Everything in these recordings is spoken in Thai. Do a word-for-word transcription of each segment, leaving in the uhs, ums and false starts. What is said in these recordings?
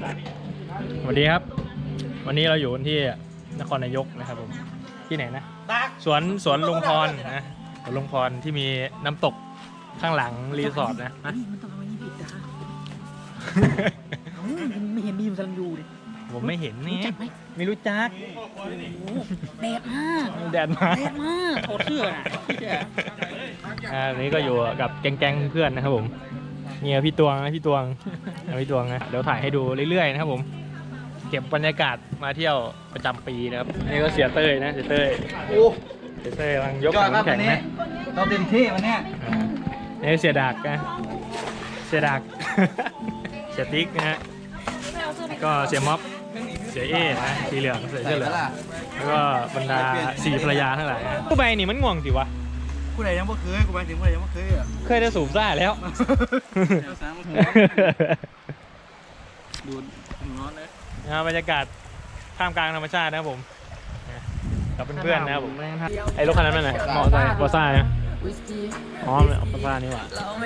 สวัสดีครับวันนี้เราอยู่ที่นครนายกนะครับผมที่ไหนนะสวนสวนลุงพรนะสวนลุงพรที่มีน้ำตกข้างหลังรีสอร์ทนะมันต้องเอาไว้นี่ผิดจ้าไม่เห็นบีมซันยูเลยผมไม่เห็นนี่ไม่รู้จักแดดมากแดดมากแดดมากโคตรเชื่ออ่านี้ก็อยู่กับแก๊งๆเพื่อนนะครับผมเนี่ยพี่ตวงนะพี่ตวงพี่ตวงนะเดี๋ยวถ่ายให้ดูเรื่อยๆนะครับผมเก็บบรรยากาศมาเที่ยวประจำปีนะครับนี่ก็เสียเต้ยนะเสียเต้ยโอ้เสียเต้ยกำลังยกน้ำแข็งนะเราเต็มที่วันนี้นี่เสียดากนะเสียดากเสียติ๊กนะฮะก็เสียม็อบเสียเอนะสีเหลืองเสียเสื้อเหลืองแล้วก็บรรดาสี่ภรรยาทั้งหลายผู้ใบนี่มันง่วงสิวะผู้ใดยังไม่เคยกูไปถึงผู้ใดยังไม่เคยอ่ะเคยได้สูบซ่าแล้วดูร้อนเลยบรรยากาศท่ามกลางธรรมชาตินะครับผมกับเพื่อนๆนะครับผมไอ้รถคันนั้นนั่นแหละมอเตอร์ไซค์บอซ่านะอ๋อเลยบอซ่านี่หว่า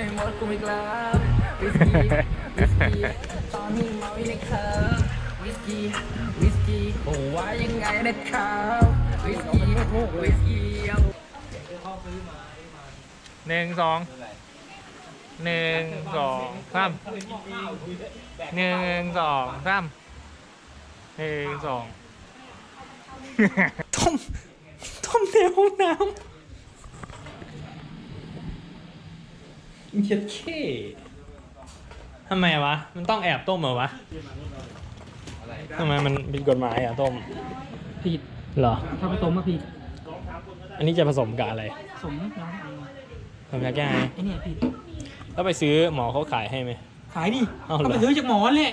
ตอนนี้มาวินครับวิสกี้วิสกี้โอ้ว่ายังไงนะครับวิสกี้วิสกี้หนึ่งสองหนึ่งสองสามหนึ่งสองสามหนึ่งสองต้มต้มในห้องน้ำเช็ดเช่ทำไมวะมันต้องแอบต้มเหรอวะทำไมมันผิดกฎหมายอ่ะต้มผิดเหรอถ้าผสมมาผิดอันนี้จะผสมกับอะไรผสมน้ำผสมยาแก้ไอไอเนี่ยผิดแล้วไปซื้อหมอเขาขายให้ไหมขายดิเขาไปซื้อจากหมอเลย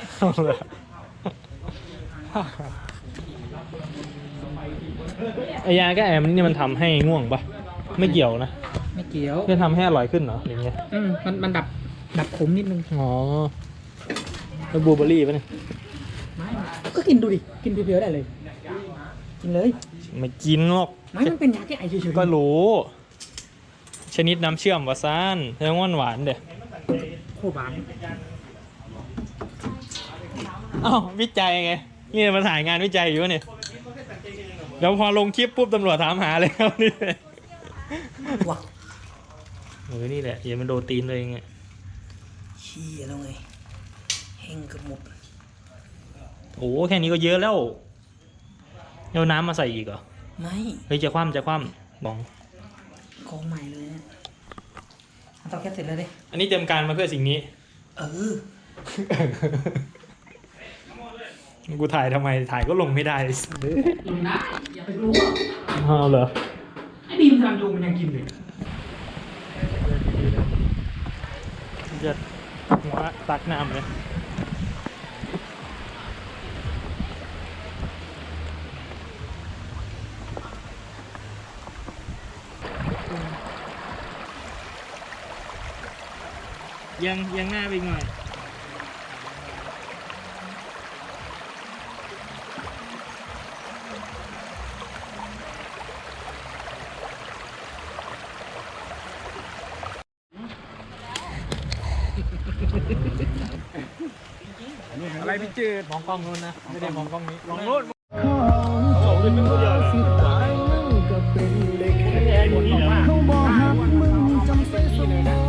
ไอยาแก้ไอมันนี่มันทำให้ง่วงปะไม่เกี่ยวนะไม่เกี่ยวจะทำให้อร่อยขึ้นเหรออย่างเงี้ยอืมมันมันดับดับขมนิดนึงอ๋อแล้วบลูเบอร์รี่ปะเนี่ยไม่ก็กินดูดิกินเพียวๆได้เลยกินเลยไม่กินหรอกไม่มันเป็นยาแก้ไอเฉยๆก็รู้ชนิดน้ำเชื่อมวาซานแล้หวานเด้อโคตรหวานอ้าววิจัยไงนี่มาถ่ายงานวิจัยอยู่เนี่ยแล้วพอลงคลิปปุ๊บตำรวจถามหาเลยครับนี่ว้าเออนี่แหละอย่ามันโดนตีนเลยไงขี้แล้วไงแห้งกระหมดโอ้แค่นี้ก็เยอะแล้วเอาน้ำมาใส่อีกเหรอไม่เฮ้ยจะคว่ำจะคว่ำบองกองใหม่เลยต้องแค่เสร็จแล้วดิอันนี้เตรียมการมาเพื่อสิ่งนี้เออกูถ่ายทำไมถ่ายก็ลงไม่ได้ลงได้อย่าไปรู้เอาเหรอไอ้บีมทำดูมันยังกินเลยจะหัวตักน้ำเลยยังยังหน้าไปหน่อยอะไรพี่จืดมองกล้องนู้นนะไม่ได้มองกล้องนี้มองนู้นสองเป็นตัวเดียวเลยเขาบอกหากมึงจำเป็นสมอง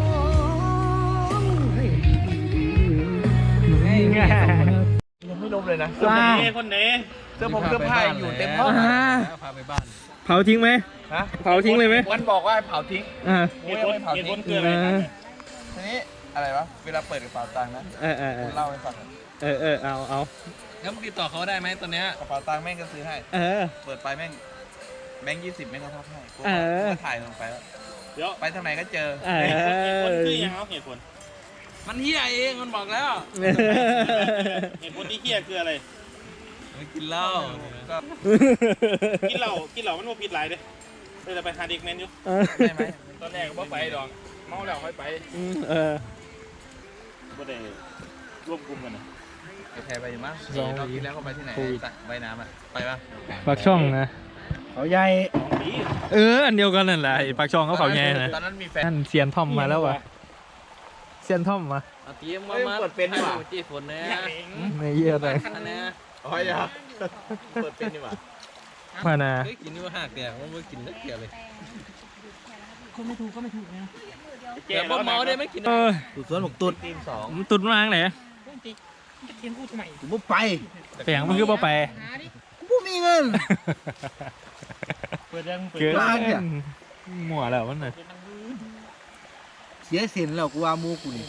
ยังไม่ลมเลยนะเสื้อคนนี้คนนี้เสื้อผมเสื้อผ้าอยู่เต็มห้องพาไปบ้านเผาทิ้งไหมฮะเผาทิ้งเลยไหมมันบอกว่าเผาทิ้งอ่าเห็นคนเห็นคนเกินเลยทีนี้อะไรวะเวลาเปิดกระเป๋าตังค์นะเออเออเล่าให้ฟังเออเออเอาเอางั้นติดต่อเขาได้ไหมตอนนี้กระเป๋าตังค์แม่งก็ซื้อให้เออเปิดไปแม่งแบงค์ยี่สิบแม่งก็ทับให้เออถ่ายลงไปแล้วเดี๋ยวไปทางไหนก็เจอเออคนคือยังเอาเหตุผลมันเฮี้ยเองมันบอกแล้วเหตุผลที่เฮี้ยคืออะไรไม่กินเหล้าก็กินเหล้ากินเหล้ามันโมผิดหลายเลยเลยไปหาเด็กแมนอยู่ใช่ไหมตอนแรกก็บ่ไปดอกเมาแล้วค่อยไปเออบ่ได้ร่วมกลุ่มกันนะไปแพ้ไปมั้งรอบที่แล้วเขาไปที่ไหนใบน้ำอ่ะไปปะปากช่องนะเขาใหญ่เอออันเดียวกันนั่นแหละปากช่องเขาเขาใหญ่นะตอนนั้นมีแฟนเซียนทอมมาแล้ววะเซียนทอมมาเอาเตรียมมามาเปิดเป็นดีกว่าจีฝนเนี่ยไม่เยี่ยเลยอันนี้อ๋ออย่าเปิดเป็นดีกว่ามานาเฮ้ยกินนี่ว่าหักแต่ว่าไม่กินนักเดียวเลยคนไม่ถูกก็ไม่ถูกนะแต่พอเมาได้ไม่กินเออตุดสวนหกตุดทีมสองตุดมาทางไหนจะเทียนกูทำไมกูไม่ไปเสียงมันคือบ่ไปกูไม่มีเงินเกินมั่วแล้วมันน่ะเสียสินแล้วกูว่ามูกูนี่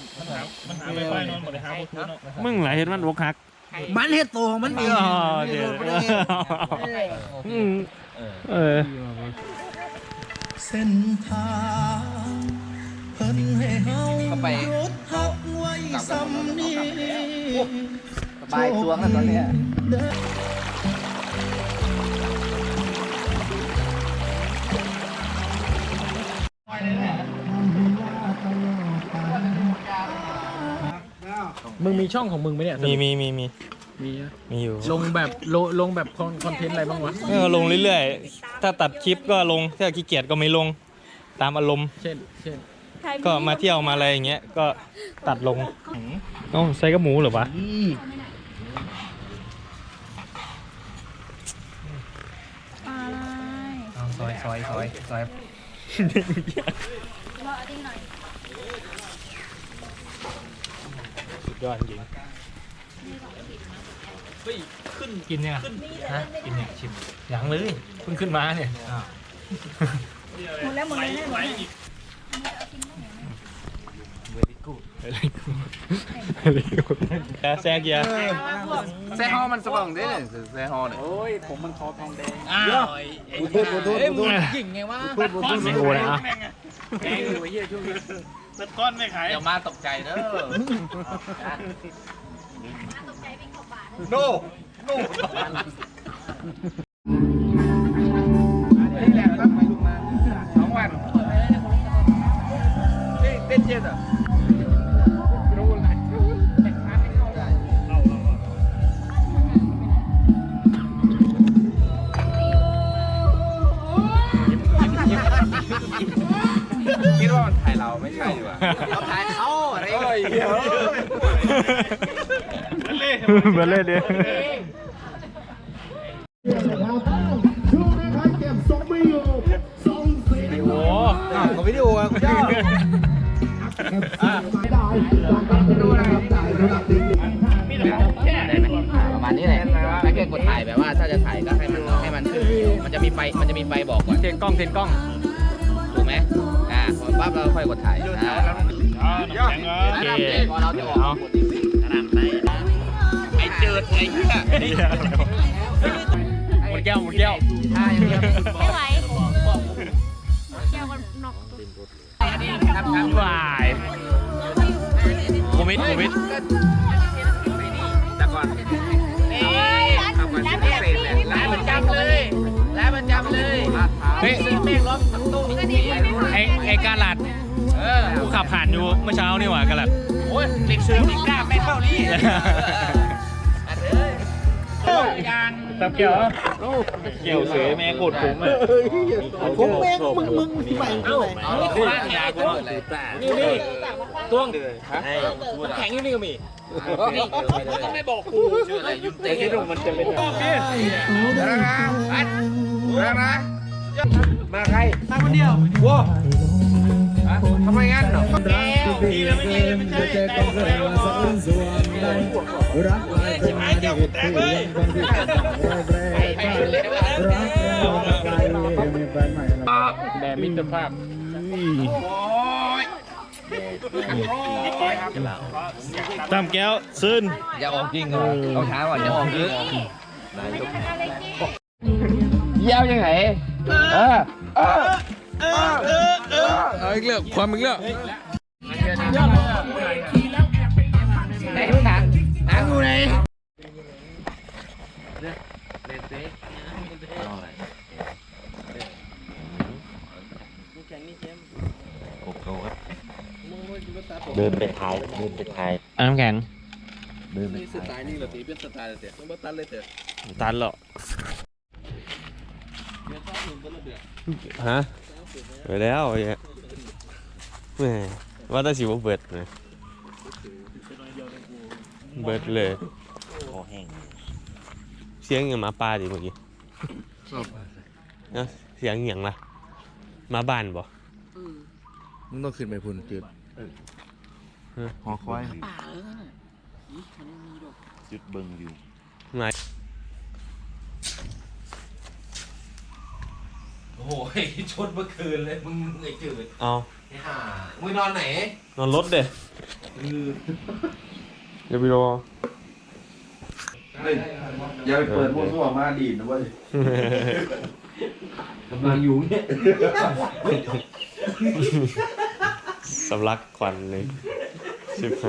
มึงหลายเห็นมันอกหักมันเฮ็ดโตของมันเองอ๋อเดี๋ยวอืมเออเส้นทางเพิ่นให้เฮาเข้าไปรถหักไว้ซ้ำนี้สบายตัวกันตอนเนี้ยมึงมีช่องของมึงไหมเนี่ยมีมีมีมีมีมีอยู่ลงแบบลงลงแบบคอนเทนต์อะไรบ้างวะเออลงเรื่อยๆ ถ้าตัดคลิปก็ลง ถ้าขี้เกียจก็ไม่ลง ตามอารมณ์เช่นเช่นก็มาเที่ยวมาอะไรอย่างเงี้ย ก็ตัดลงเอ้าใส่กระหมูเหรอวะซอยซอยซอยซอยสุดยอดจริงเฮ้ยขึ้นกินเนี่ยฮะกินเนี่ยชิมยังเลยเพิ่งขึ้นมาเนี่ยหมดแล้วหมดเลยให้หมดเลยแซ่เกียร์แซ่ฮอมันสว่างได้เลยแซ่ฮอเนี่ยโอ้ยผมมันคอทองแดงอ้าวกูโทษกูโทษกูโทษกิ่งไงวะกูโทษกูโทษโอ้นะแดงอยู่ไอ้เหี้ยช่วงนี้เป็นก้อนไม่ขายเดี๋ยวมาตกใจเด้อโน่โน่นี่แหละครับไปลุงมาสองวันเต้นเจ็ดอ่ะ คิดว่ามันถ่ายเราไม่ใช่ดีกว่าเขาถ่ายเขาอะไรเงี้ยมาเล่นดิ โอ้กับวิดีโอกูชอบประมาณนี้แหละถ้าเกิดกดถ่ายแบบว่าถ้าจะถ่ายก็ให้มันให้มันขึ้นมันจะมีไฟมันจะมีไฟบอกก่อนเทนกล้องเทนกล้องถูกไหมอ่าพอปั๊บเราค่อยกดถ่ายอ่าโอเคพอเราจะออกไอ้เจิดไอ้เหี้ยหมดแก้วหมดแก้วท่าอย่างเงี้ยไม่ไหวแก้วก็นอกครับครับวายโควิดโควิดแต่ก่อนทำกันพิเศษเลยร้านประจำเลยร้านประจำเลยเฮ้ยซื้อแม่งล้อมตู้ไอไอกาลัดเออกูขับผ่านอยู่เมื่อเช้านี่หว่ากาลัดโอ้ยเด็กเสือไม่กล้าไม่เท่านี้อันเลยยางตับเกี่ยวเกี่ยวเสือแม่กดผมอ่ะผมแม่งมึงมึงที่ใหม่ที่ไหนเอานี่คือร้านยาตัวเลยนี่นี่ต้วงแข็งอยู่นี่ก็มีต้องไม่บอกกูชื่ออะไรยุนเต้มันจะเป็นแล้วนะแล้วนะมาใครมาคนเดียวว้าทำไมงั้นเหรอดีแล้วไม่ดีไม่ใช่แต่ก็เลยว่าสะอื้นสวงได้รักอะไรจะมาเด็กแตกเลยรักแล้วไปมีแฟนใหม่แล้วแดมิตรภาพ ตามแก้วซึนอย่าออกจริงครับเอาช้าก่อนอย่าออกจริงเยี่ยวยังไงเออเออเออเออเออเอาอีกเรื่องความอีกเรื่องไหนมึงหนังหนังกูไหนเดินไปท้ายเดินไปท้ายอ่น้ำแข็งเดินไปสไตล์นี่เหรอตีเป็นสไตล์เลยเตะต้องตันเลยเตะตันเหรอฮะไปแล้วไอ้แหมว่าแต่สิบเบิดเลยเบิดเลยคอแห้งเสียงอย่างหมาป่าดิเมื่อกี้เนาะเสียงอย่างล่ะหมาบ้านบ่มึงต้องขึ้นไปพุ่นจืดหอคอยป่าเออนี่มันไม่มีดอกจุดเบิ่งอยู่ไหนโอ้โหชดเมื่อคืนเลยมึงไอ้จืดเอาไอ้ห่ามึงนอนไหนนอนรถเด้เดี๋ยวไปรออย่าไปเปิดมั่วซั่วมาดีนะเว้ยกำลังอยู่เนี่ยสำลักควันเลยชิบหาย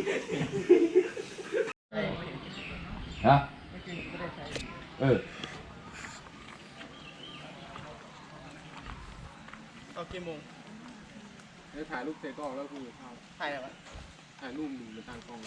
ฮะเออเอากี่โมงถ่ายรูปเสร็จก็ออกแล้วคือถ่ายอะไรวะถ่ายรูปหนึ่งในทางกอง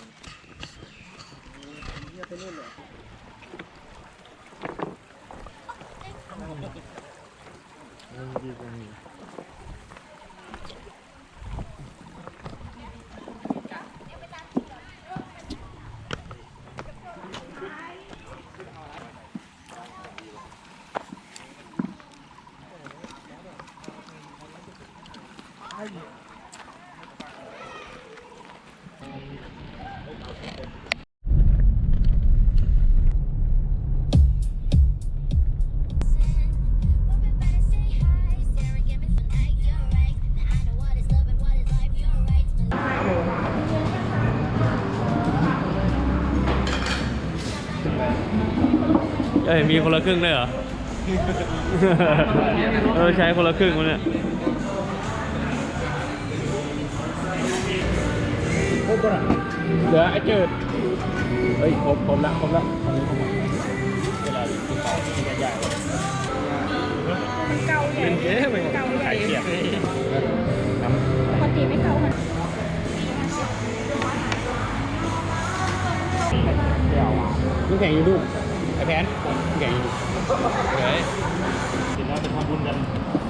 เอ้ยมีคนละครึ่งด้วยเหรอ เออใช้คนละครึ่งวะเนี่ยเหลือไอ้เจิดเฮ้ยครบครบละครบละตอนนี้ครบละเวลากินข้าวกินใหญ่ๆมันเกาใหญ่เป็นเอ๊ะมันขายเกียรปกติไม่เกาขนาดลูกแข่งอยู่ดูไอ้แพนลูกแข่งอยู่ดูเฮ้ยเสร็จแล้วไปทำบุญกัน